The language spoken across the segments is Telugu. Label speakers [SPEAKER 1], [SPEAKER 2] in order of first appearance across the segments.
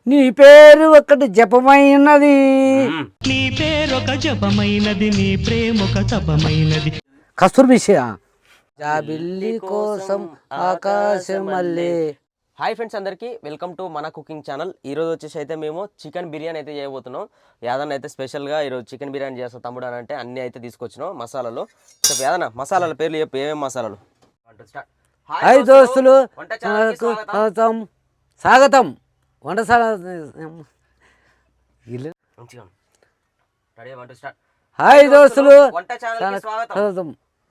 [SPEAKER 1] నీ పేరు ఒకటి జపమైనది,
[SPEAKER 2] నీ పేరొక జపమైనది, నీ ప్రేమొక తపమైనది.
[SPEAKER 1] కస్తూరి జాబిల్లి కోసం ఆకాశమల్లే.
[SPEAKER 3] హాయ్ ఫ్రెండ్స్, అందరికీ వెల్కమ్ టు మన కుకింగ్ ఛానల్. ఈరోజు వచ్చేసి అయితే మేము చికెన్ బిర్యానీ అయితే చేయబోతున్నాం. యాదన్న అయితే స్పెషల్గా ఈరోజు చికెన్ బిర్యానీ చేస్తాం తమ్ముడు అని అంటే అన్నీ అయితే తీసుకొచ్చినాం. మసాలాలు చెప్పు యాదన్న, మసాలాల పేర్లు చెప్పు, ఏమేమి మసాలాలు?
[SPEAKER 1] హాయ్ దోస్తులు, స్వాగతం. వంటశాల హాయ్ దోస్తులు, స్వాగతం.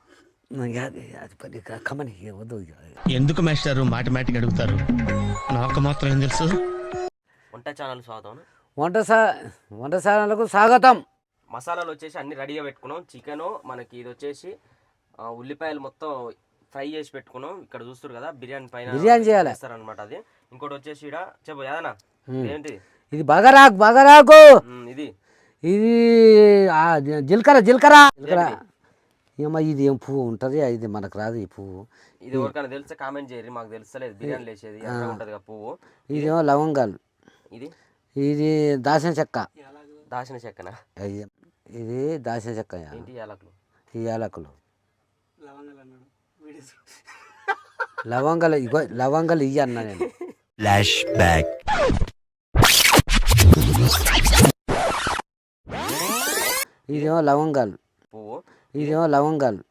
[SPEAKER 2] ఎందుకు మాస్టారు మాటిమాటికి అడుగుతారు? నాకు మాత్రం ఏం తెలుసు.
[SPEAKER 3] వంట ఛానల్ స్వాగతం.
[SPEAKER 1] వంటశాలకు స్వాగతం.
[SPEAKER 3] మసాలాలు వచ్చేసి అన్ని రెడీగా పెట్టుకున్నాం. చికెను మనకి ఇది వచ్చేసి ఉల్లిపాయలు మొత్తం ఫ్రై చేసి పెట్టుకున్నాం. ఇక్కడ చూస్తారు కదా, బిర్యానీ పైన
[SPEAKER 1] బిర్యానీ చేయాలన్నమాట.
[SPEAKER 3] అది ఇంకోటి వచ్చేసి ఇక్కడ చెప్పు యాదనా, ఏంటి
[SPEAKER 1] ఇది? బగరాకు.
[SPEAKER 3] ఇది
[SPEAKER 1] జీలకర్ర. ఏమో ఇది ఏం పువ్వు ఉంటుంది, ఇది మనకు రాదు ఈ పువ్వు.
[SPEAKER 3] ఇది ఎవరికైనా తెలిస్తే కామెంట్ చేయరు, మాకు తెలుస్తలేదు. బిర్యానీ లేచేది ఉంటుంది పువ్వు.
[SPEAKER 1] ఇదేమో లవంగాలు. ఇది దాసిన చెక్క.
[SPEAKER 3] దాచిన చెక్కనా?
[SPEAKER 1] ఇది దాసిన చెక్క.
[SPEAKER 3] ఏంటి? యాలకులు.
[SPEAKER 1] ఈ యాలకులు, లవంగాలు. ఇగో లవంగాలు ఇయ్య అన్నా నేను.
[SPEAKER 2] Flash back.
[SPEAKER 1] ఇదేమో లవంగాలు
[SPEAKER 3] పువ్వు.
[SPEAKER 1] ఇదేమో లవంగాలు.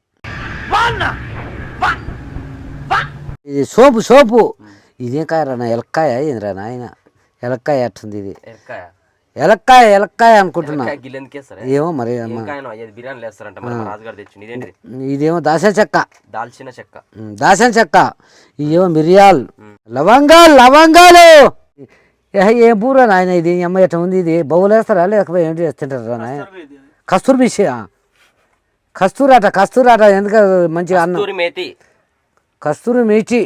[SPEAKER 1] ఇది సోపు. ఇదేం కాయ రా? ఎలక్కాయ ఏంద్రా నాయన? ఎలక్కాయ అట్టుంది ఇది. ఎలక్కాయ అనుకుంటున్నా. ఏమో మరి. ఇదేమో దాల్చిన చెక్క. ఇదేమో మిరియాలు. లవంగాలు. ఏం పూరా నాయన ఇది? అమ్మ ఎట్లా ఉంది ఇది? బౌలు వేస్తారా లేకపోతే ఏంటి వేస్తుంటారా నాయన? కస్తూరాట ఎందుకు మంచిగా అన్నం. కస్తూరి మేటి.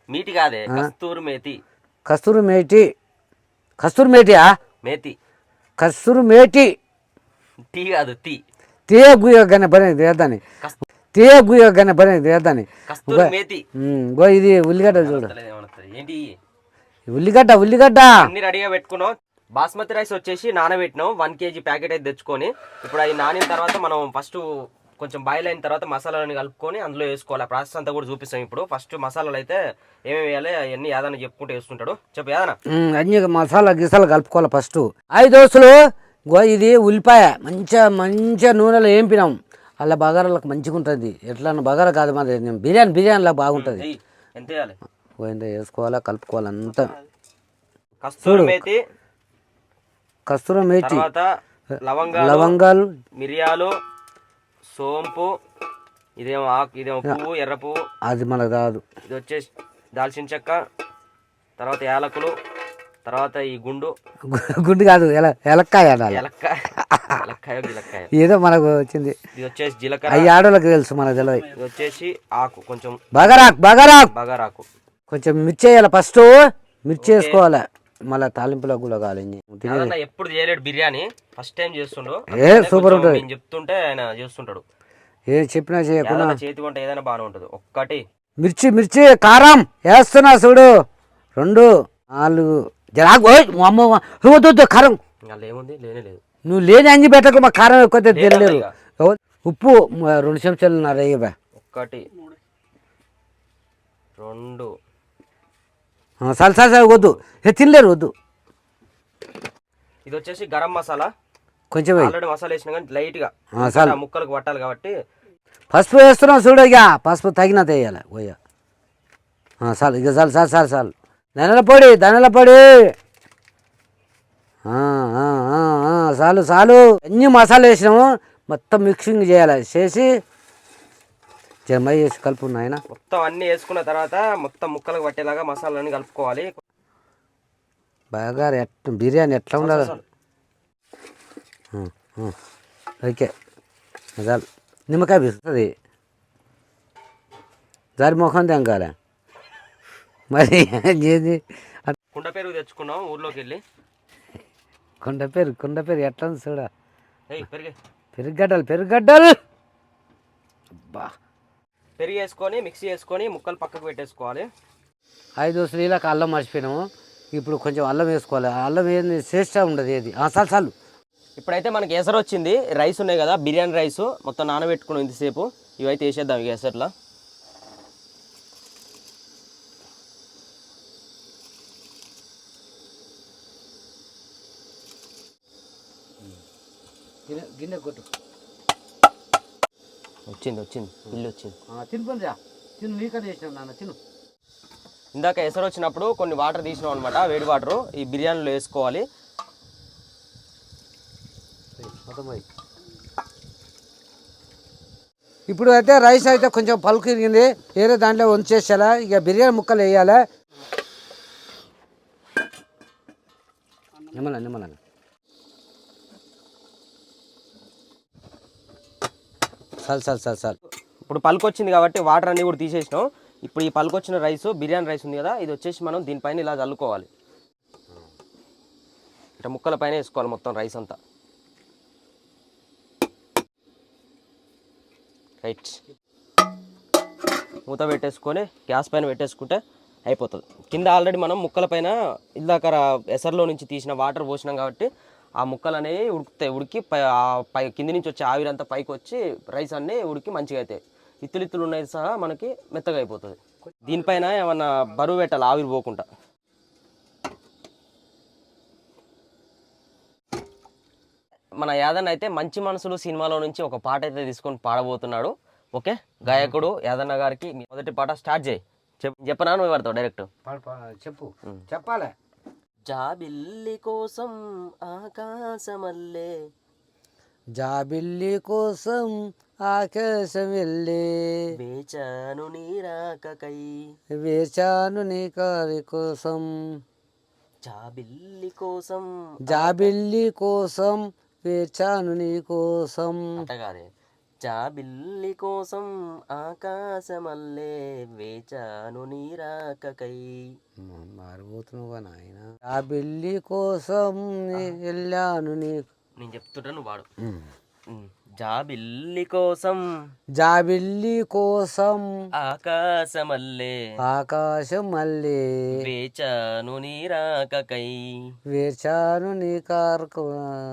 [SPEAKER 1] ఇది ఉల్లిగడ్డ చూడు. ఉల్లిగడ్డ
[SPEAKER 3] అన్ని రెడీగా పెట్టుకున్నాం. బాస్మతి రైస్ వచ్చేసి నానబెట్టినాం. 1 kg ప్యాకెట్ అయితే తెచ్చుకొని ఇప్పుడు అది నానిన తర్వాత మనం ఫస్ట్ కొంచెం బాయిల్ అయిన తర్వాత మసాలాలను కలుపుకొని అందులో వేసుకోవాలి. ఆ ప్రాసెస్ అంతా కూడా చూపిస్తాం. ఇప్పుడు ఫస్ట్ మసాలాలు అయితే ఏమేమి వేయాలి అవన్నీ యాదన చెప్పుకుంటూ వేసుకుంటాడు. చెప్పు యాదన.
[SPEAKER 1] అన్ని మసాలా కలుపుకోవాలి ఫస్ట్. 5 దోస్తులు. ఇది ఉల్లిపాయ మంచిగా నూనెలో ఏంపినాం. అలా బగారాలకు మంచిగా ఉంటుంది. ఎట్లా బగారా కాదు మరి, బిర్యానీలా బాగుంటుంది.
[SPEAKER 3] ఎంత వేయాలి?
[SPEAKER 1] పోయిందా వేసుకోవాలా, కలుపుకోవాలి అంతా. కస్తూరి మేతి, లవంగాలు,
[SPEAKER 3] మిరియాలు, సోంపు. ఇదేమో పువ్వు, ఎర్ర పువ్వు.
[SPEAKER 1] అది మనకు రాదు.
[SPEAKER 3] ఇది వచ్చేసి దాల్చిన చెక్క, తర్వాత యాలకులు, తర్వాత ఈ గుండు
[SPEAKER 1] కాదు, ఎలక్కాయ. ఏదో మనకు వచ్చింది.
[SPEAKER 3] ఇది వచ్చేసి జీలకర్ర.
[SPEAKER 1] ఈ ఆడోళ్ళకి తెలుసు, మనకు తెలియదు.
[SPEAKER 3] ఇది వచ్చేసి ఆకు, కొంచెం బగారాకు. కొంచెం
[SPEAKER 1] మిర్చి వేయాలి ఫస్ట్. మిర్చి వేసుకోవాలి, మళ్ళీ తాలింపులో కూడా కావాలి.
[SPEAKER 3] ఎప్పుడు చేయలేడు బిర్యానీ, ఫస్ట్ టైం చేస్తుండు.
[SPEAKER 1] సూపర్ ఉంటుంది.
[SPEAKER 3] నేను చెప్తుంటే ఆయన చేస్తుంటాడు.
[SPEAKER 1] ఏ చెప్పినా చేయకుండా
[SPEAKER 3] చేతి వంట ఏదైనా బాగానే ఉంటుంది. ఒక్కటి
[SPEAKER 1] మిర్చి కారం వేస్తున్నా చూడు. 2 4 కారం.
[SPEAKER 3] ఏముంది? లేనే.
[SPEAKER 1] నువ్వు లేని అంజి పెట్టకు, మా కారం ఎక్కువ తెలియలేదు. ఉప్పు 2 చెంచాలు. 1 2 సాల్ వద్దు, తినలేరు వద్దు.
[SPEAKER 3] ఇది వచ్చేసి గరం మసాలా.
[SPEAKER 1] కొంచెం
[SPEAKER 3] ఆల్రెడీ మసాలా వేసిన కానీ లైట్ గా ముక్కలకు పట్టాలి కాబట్టి
[SPEAKER 1] పసుపు వేస్తున్నాం చూడు. ఇక పసుపు తగినంత వేయాలి. పోయా చాలు, ఇక చాలు. ధనియాల పొడి చాలు. అన్ని మసాలా వేసినాము, మొత్తం మిక్సింగ్ చేయాలి. చేసి జమై వేసి కలుపు నాయన.
[SPEAKER 3] మొత్తం అన్ని వేసుకున్న తర్వాత మొత్తం ముక్కలకు పట్టేలాగా మసాలాన్ని కలుపుకోవాలి.
[SPEAKER 1] బాగా బిర్యానీ ఎట్లా ఉండాలి? ఓకే, చాలు. నిమ్మకాయ పిస్తుంది, దారి ముఖం తెంకాలి. మరి
[SPEAKER 3] కుండ పెరుగు తెచ్చుకున్నాం ఊర్లోకి వెళ్ళి.
[SPEAKER 1] కుండ పెరుగు ఎట్లా ఉంది చూడ.
[SPEAKER 3] పెరుగడ్డలు
[SPEAKER 1] అబ్బా.
[SPEAKER 3] పెరుగు వేసుకొని మిక్సీ వేసుకొని ముక్కలు పక్కకు పెట్టేసుకోవాలి.
[SPEAKER 1] 5 దోశలు ఇలా అల్లం మర్చిపోయినాము. ఇప్పుడు కొంచెం అల్లం వేసుకోవాలి. అల్లం ఏంది శ్రేష్ట ఉండదు ఏది. చాలు చాలు.
[SPEAKER 3] ఇప్పుడైతే మనకి ఎసరు వచ్చింది. రైస్ ఉన్నాయి కదా, బిర్యానీ రైస్ మొత్తం నానబెట్టుకున్నాం ఇంతసేపు. ఇవైతే వేసేద్దాం ఇక ఎసర్లో.
[SPEAKER 1] గిన్నె కొట్టు.
[SPEAKER 3] వచ్చింది ఇల్లు వచ్చింది.
[SPEAKER 1] తినిపోండి తిను, నీకన్నా చేసినావు నాన్న తిను.
[SPEAKER 3] ఇందాక ఎసరు వచ్చినప్పుడు కొన్ని వాటర్ తీసినాం అనమాట, వేడి వాటరు ఈ బిర్యానీలో వేసుకోవాలి.
[SPEAKER 1] ఇప్పుడు అయితే రైస్ అయితే కొంచెం పలుకు ఇరిగింది, వేరే దాంట్లో వంచేసేలా. ఇక బిర్యానీ ముక్కలు వేయాలి. నిమ్మల చాలు.
[SPEAKER 3] ఇప్పుడు పలుకు వచ్చింది కాబట్టి వాటర్ అన్నీ కూడా తీసేసినాం. ఇప్పుడు ఈ పలుకు వచ్చిన రైస్ బిర్యానీ రైస్ ఉంది కదా, ఇది వచ్చేసి మనం దీనిపైన ఇలా చల్లుకోవాలి. ఇట్లా ముక్కల పైన వేసుకోవాలి మొత్తం రైస్ అంతా. రైట్, మూత పెట్టేసుకొని గ్యాస్ పైన పెట్టేసుకుంటే అయిపోతుంది. కింద ఆల్రెడీ మనం ముక్కల పైన ఇందాక ఎసర్లో నుంచి తీసిన వాటర్ పోసినాం కాబట్టి ఆ ముక్కలు అనేవి ఉడుకుతాయి. ఉడికి పై కింది నుంచి వచ్చే ఆవిరంతా పైకి వచ్చి రైస్ అన్నీ ఉడికి మంచిగా అవుతాయి. ఇత్తులు ఉన్నాయి సహా మనకి మెత్తగా అయిపోతుంది. దీనిపైన ఏమన్నా బరువు పెట్టాలి ఆవిరి పోకుండా. మన యాదన్న అయితే మంచి మనసులు సినిమాలో నుంచి ఒక పాట అయితే తీసుకొని పాడబోతున్నాడు. ఓకే, గాయకుడు యాదన్న గారికి మొదటి పాట స్టార్ట్ చేయి. చెప్పనా నువ్వు పడతావు డైరెక్ట్?
[SPEAKER 1] చెప్పు. చెప్పాలి.
[SPEAKER 3] జాబిల్లి కోసం ఆకాశమల్లే,
[SPEAKER 1] జాబిల్లి కోసం ఆకాశం వెళ్ళే,
[SPEAKER 3] వేచాను నీ రాకకై,
[SPEAKER 1] వేచాను నీ కారి కోసం,
[SPEAKER 3] జాబిల్లి కోసం,
[SPEAKER 1] జాబిల్లి కోసం వేచాను నీ కోసం.
[SPEAKER 3] అంటగాదే, జాబిల్లి కోసం ఆకాశమల్లే, వేచాను నీ రాకకై.
[SPEAKER 1] మారిపోతున్నావుగా నాయన. జాబిల్లి కోసం వెళ్ళాను నీకు.
[SPEAKER 3] నేను చెప్తుంటా నువ్వు వాడు. జాబిల్లి కోసం,
[SPEAKER 1] జాబిల్లి కోసం
[SPEAKER 3] ఆకాశమల్లే,
[SPEAKER 1] ఆకాశం మళ్ళీ,
[SPEAKER 3] వేచాను నీ రాకకై,
[SPEAKER 1] వేచాను నీ కారుకు.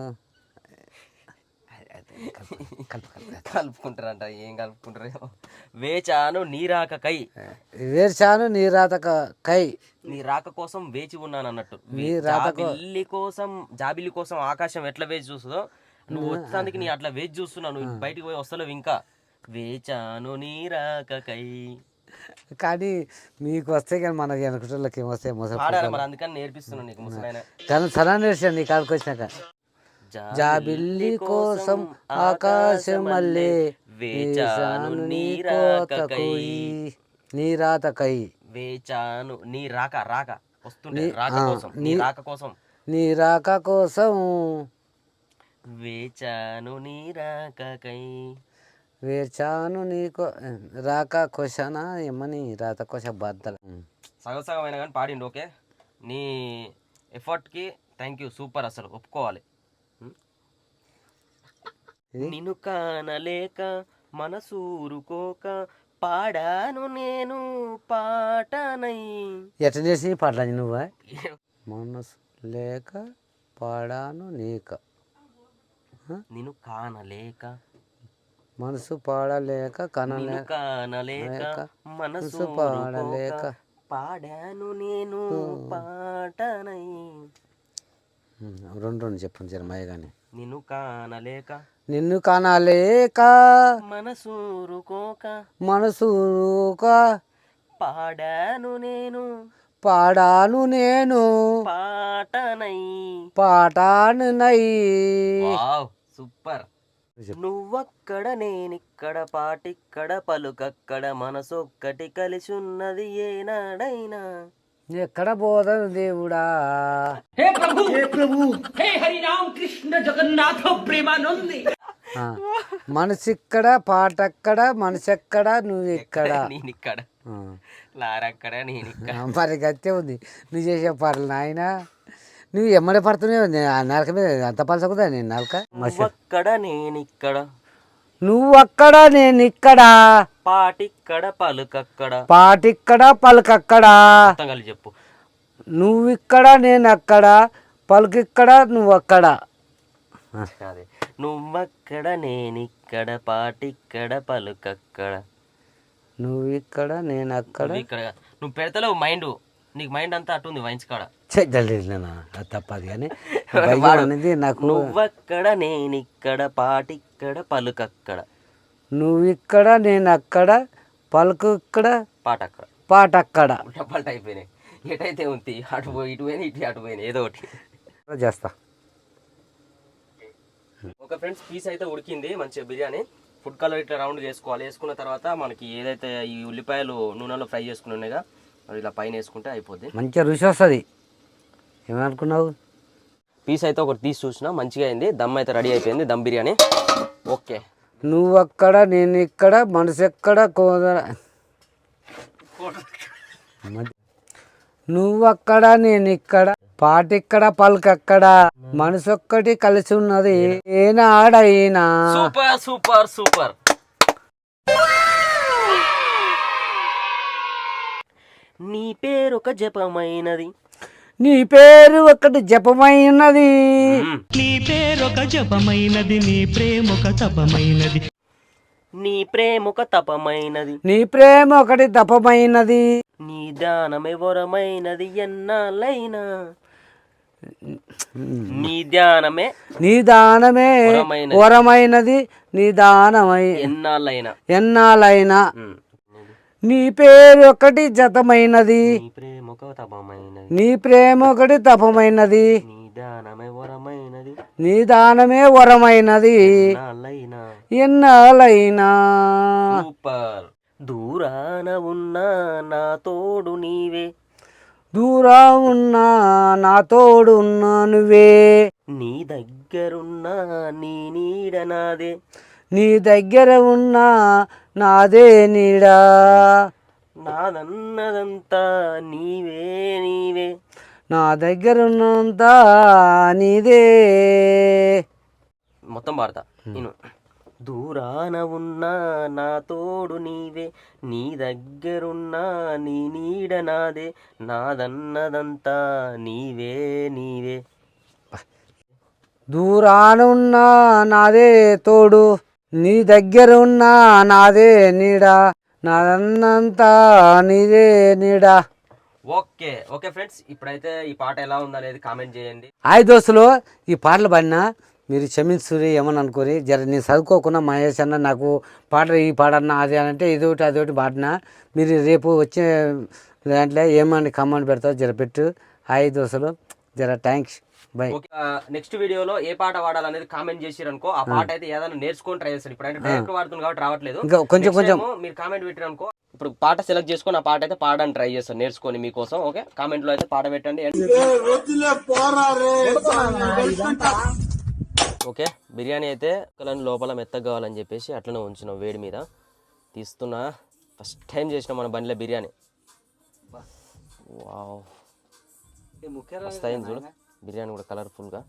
[SPEAKER 3] కలుపుకుంటారంట, ఏం కలుపుకుంటారేమో. వేచాను నీ రాకకై,
[SPEAKER 1] వేచాను నీ రాకకై,
[SPEAKER 3] నీ రాక కోసం వేచి ఉన్నాను అన్నట్టు. జాబిల్లి కోసం, జాబిల్లి కోసం ఆకాశం ఎట్లా వేచి చూస్తుందో నువ్వు వచ్చేందుకు నీ అట్లా వేచి చూస్తున్నావు. నువ్వు బయటికి పోయి వస్తలేవు ఇంకా. వేచాను నీ రాకకై.
[SPEAKER 1] కానీ మీకు వస్తే కానీ మన వెనకటోళ్ళకి ఏం వస్తాయి
[SPEAKER 3] పాడాలి మరి, అందుకని నేర్పిస్తున్నాను నీకు ముసలాయన.
[SPEAKER 1] కానీ సలా నేర్చాను నీ కాడికి వచ్చినాక. జాబిల్లి కోసం ఆకాశం మళ్ళీ, వేచాను నీ రాకకై, నీ రాకకై,
[SPEAKER 3] వేచాను నీ రాక వస్తుండే రాక కోసం, నీ రాక కోసం,
[SPEAKER 1] నీ రాక కోసం,
[SPEAKER 3] వేచాను నీ రాకకై,
[SPEAKER 1] వేచాను నీకో రాక కోసనా ఏమని రాత కోస బద్దల.
[SPEAKER 3] సగం అయినా కానీ పాడిండు. ఓకే, నీ ఎఫర్ట్కి థ్యాంక్ యూ, సూపర్, అసలు ఒప్పుకోవాలి. నిన్ను కానలేక మనసూరుకోక పాడాను నేను పాటనై.
[SPEAKER 1] ఎట్లా చేసి పాడరాజు నువ్వా? మనసు లేక పాడాను నీక,
[SPEAKER 3] నిన్ను కానలేక,
[SPEAKER 1] మనసు పాడలేక,
[SPEAKER 3] కానలేక మనసు పాడలేక పాడాను నేను పాటనై.
[SPEAKER 1] రెండు చెప్పండి జరమయ్య కానీ.
[SPEAKER 3] నిన్ను కానలేక,
[SPEAKER 1] నిన్ను కానలేక
[SPEAKER 3] మనసూరుకోక,
[SPEAKER 1] మనసూరుక
[SPEAKER 3] పాడాను నేను పాటనై,
[SPEAKER 1] పాటానునై.
[SPEAKER 3] Wow, super. నువ్వక్కడ నేనిక్కడ, పాటిక్కడ పలుకక్కడ, మనసొక్కటి కలిసి ఉన్నది ఏనాడైనా.
[SPEAKER 1] ఎక్కడ పోదాను దేవుడా.
[SPEAKER 4] हे प्रभु हे हरि राम कृष्ण जगन्नाथ प्रेमानंद.
[SPEAKER 1] మనసిక్కడ పాటక్కడ మనసెక్కడ నువ్వు ఇక్కడ,
[SPEAKER 3] నేనిక్కడ, లారక్కడ నేనిక్కడ.
[SPEAKER 1] మరి గత్తే ఉంది నువ్వు చేసే పాటలు నాయన. నువ్వు ఎమ్మడే పడుతున్నావు నరక మీద, అంత పలసకుదా నేను నరక.
[SPEAKER 3] నువ్వక్కడ నేనిక్కడ,
[SPEAKER 1] నువ్వక్కడ నేను ఇక్కడ,
[SPEAKER 3] పాటిక్కడ పలుకక్కడ,
[SPEAKER 1] పాటిక్కడ పలుకక్కడ.
[SPEAKER 3] మొత్తం కలిసి చెప్పు.
[SPEAKER 1] నువ్విక్కడ నేను అక్కడ, పలుకిక్కడ నువ్వు అక్కడ.
[SPEAKER 3] అదే నువ్వక్కడ నేనిక్కడ పాటిక్కడ పలుకక్కడ.
[SPEAKER 1] నువ్విక్కడ నేను అక్కడ.
[SPEAKER 3] నువ్వు ఇక్కడ నువ్వు పెడతలేవు మైండ్, నీకు మైండ్ అంతా అటు ఉంది వైన్స్ కాడ.
[SPEAKER 1] చెడ్డలేనా అది తప్పదు కానీ భయం అనేది నాకు.
[SPEAKER 3] నువ్వక్కడ నేనిక్కడ పాటిక్కడ పలుకక్కడ.
[SPEAKER 1] నువ్విక్కడ నేను అక్కడ, పలుకు ఇక్కడ,
[SPEAKER 3] పాట అక్కడ.
[SPEAKER 1] పాట అక్కడ.
[SPEAKER 3] డబ్బాలు అయిపోయినాయి, ఎటైతే ఉంది అటు పోయి ఇటు పోయినాయి, ఇటు అటు పోయినాయి, ఏదో ఒకటి
[SPEAKER 1] చేస్తా.
[SPEAKER 3] ఒక ఫ్రెండ్స్ పీస్ అయితే ఉడికింది మంచిగా బిర్యానీ. ఫుడ్ కలర్ ఇట్లా రౌండ్ చేసుకోవాలి. వేసుకున్న తర్వాత మనకి ఏదైతే ఈ ఉల్లిపాయలు నూనెలో ఫ్రై చేసుకుని ఉన్నాయిగా అవి ఇలా పైన వేసుకుంటే అయిపోద్ది,
[SPEAKER 1] మంచిగా రుచి వస్తుంది. ఏమనుకున్నావు?
[SPEAKER 3] పీస్ అయితే ఒకటి తీసి చూసినా మంచిగా అయింది. దమ్ అయితే రెడీ అయిపోయింది, దమ్ బిర్యానీ. ఓకే.
[SPEAKER 1] నువ్వక్కడ నేను ఇక్కడ, మనసు ఎక్కడ కోదర. నువ్వక్కడ నేను ఇక్కడ, పాటిక్కడ పలుకక్కడ, మనసొక్కటి కలిసి ఉన్నది ఏనాడైనా.
[SPEAKER 3] Super super super. నీ పేరు ఒక జపమైనది,
[SPEAKER 1] నీ పేరు ఒకటి జపమైనది,
[SPEAKER 2] నీ పేరొక జపమైనది, నీ ప్రేమొక తపమైనది,
[SPEAKER 3] నీ ప్రేమొక తపమైనది,
[SPEAKER 1] నీ ప్రేమ ఒకటి తపమైనది,
[SPEAKER 3] నీ దానమే వరమైనది ఎన్నాళ్ళైనా. నీ ధ్యానమే
[SPEAKER 1] నీ దానమే వరమైనది, నీ దానమై
[SPEAKER 3] ఎన్నాళ్ళైనా.
[SPEAKER 1] ఎన్నాళ్ళైనా. నీ పేరు ఒకటి జతమైనది,
[SPEAKER 3] నీ ప్రేమొక తపమైనది,
[SPEAKER 1] నీ ప్రేమ ఒకటి తపమైనది,
[SPEAKER 3] నీ దానమే వరమైనది,
[SPEAKER 1] నీ దానమే వరమైనది
[SPEAKER 3] ఎన్నాళ్ళైనా.
[SPEAKER 1] ఎన్నాళ్ళైనా.
[SPEAKER 3] సూపర్. దూరాన ఉన్నా నా తోడు నీవే,
[SPEAKER 1] దూరం ఉన్నా నా తోడు ఉన్నా నువ్వే,
[SPEAKER 3] నీ దగ్గరున్నా నీ నీడ నాదే,
[SPEAKER 1] నీ దగ్గర ఉన్నా నాదే నీడా,
[SPEAKER 3] నాదన్నదంతా నీవే నీవే.
[SPEAKER 1] నా దగ్గర ఉన్నంత నీదే.
[SPEAKER 3] మొత్తం పాడతా నేను. దూరాన ఉన్నా నా తోడు నీవే, నీ దగ్గరున్నా నీ నీడ నాదే, నాదన్నదంతా నీవే నీవే.
[SPEAKER 1] దూరాన ఉన్నా నాదే తోడు, నీ దగ్గర ఉన్నా నాదే నీడ, నాదన్నంతా నీదే నీడ.
[SPEAKER 3] ఓకే ఓకే ఫ్రెండ్స్, ఇప్పుడైతే ఈ పాట ఎలా ఉందనేది కామెంట్ చేయండి.
[SPEAKER 1] హాయ్ దోస్తులు, ఈ పాటలు పాడినా మీరు క్షమించురి ఏమని అనుకోరి. జర నేను చదువుకోకుండా మహేష్ అన్న నాకు పాట ఈ పాడన్నా అది అని అంటే ఇదొకటి అదొకటి పాడినా, మీరు రేపు వచ్చే దాంట్లో ఏమని కమెంట్ పెడతావు జర పెట్టు. హాయ్ దోస్తులు, జర థ్యాంక్స్, బై.
[SPEAKER 3] నెక్స్ట్ వీడియోలో ఏ పాట వాడాలనేది కామెంట్ చేసిరనుకో, ఆ పాట అయితే ఏదైనా నేర్చుకొని ట్రై చేస్తాను. ఇప్పుడు అంటే డైరెక్ట్ వాడుతుంది కాబట్టి రావట్లేదు,
[SPEAKER 1] ఇంకా కొంచెం కొంచెం
[SPEAKER 3] మీరు కామెంట్ పెట్టిరనుకో, ఇప్పుడు పాట సెలెక్ట్ చేసుకొని ఆ పాట అయితే పాడడానికి ట్రై చేస్తాను నేర్చుకొని మీకోసం. ఓకే, కామెంట్ లో అయితే పాట పెట్టండి. ఓకే, బిర్యానీ అయితే లోపల మెత్తగా కావాలని చెప్పేసి అట్లనే ఉంచినాం వేడి మీద. తీస్తున్నా, ఫస్ట్ టైం చేసినాం మన బండిలో బిర్యానీ. వావ్, మస్తు అయింది చూడు బిర్యానీ కూడా కలర్ఫుల్గా.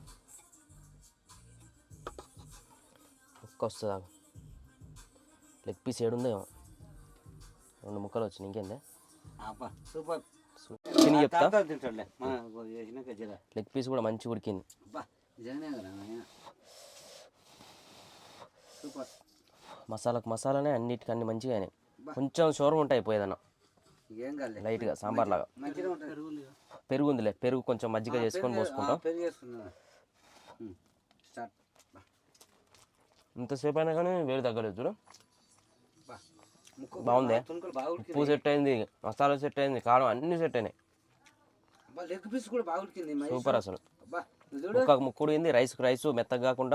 [SPEAKER 3] ముక్క వస్తుందా? లెగ్ పీస్ ఏడుందేమో, 2 ముక్కలు వచ్చినాయి, ఇంకేందే తిని చెప్తా. లెగ్ పీస్ కూడా మంచిగా ఉడికింది. మసాలానే అన్నిటికీ అన్ని మంచిగా అయినాయి. కొంచెం షోర్మ ఉంటాయి పోయేదన్న లైట్గా సాంబార్ లాగా. పెరుగు ఉందిలే, పెరుగు కొంచెం మజ్జిగ చేసుకొని పోసుకుంటాం. ఇంతసేపు అయినా కానీ వేడి తగ్గలేదు చూడు. బాగుంది, ఉప్పు సెట్ అయింది, మసాలా సెట్ అయింది, కారం అన్ని సెట్ అయినాయి. సూపర్ అసలు. ముక్క ముక్కుడింది, రైస్ మెత్తగా కాకుండా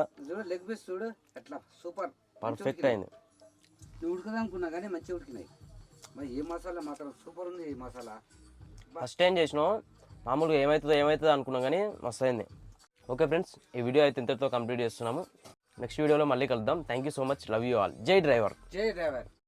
[SPEAKER 3] పర్ఫెక్ట్ అయింది.
[SPEAKER 1] ఉడకదనుకున్నా కానీ మంచిగా ఉడికినాయి. మరి ఏ మసాలా మాత్రం సూపర్ ఉంది. ఈ మసాలా
[SPEAKER 3] ఫస్ట్ టైం చేసినాం, మామూలుగా ఏమవుతుందో అనుకున్నాం కానీ మస్తు అయింది. ఓకే ఫ్రెండ్స్, ఈ వీడియో అయితే ఇంతటితో కంప్లీట్ చేస్తున్నాము. నెక్స్ట్ వీడియోలో మళ్ళీ కలుద్దాం. Thank you so much, love you all. జై డ్రైవర్.
[SPEAKER 1] జై డ్రైవర్.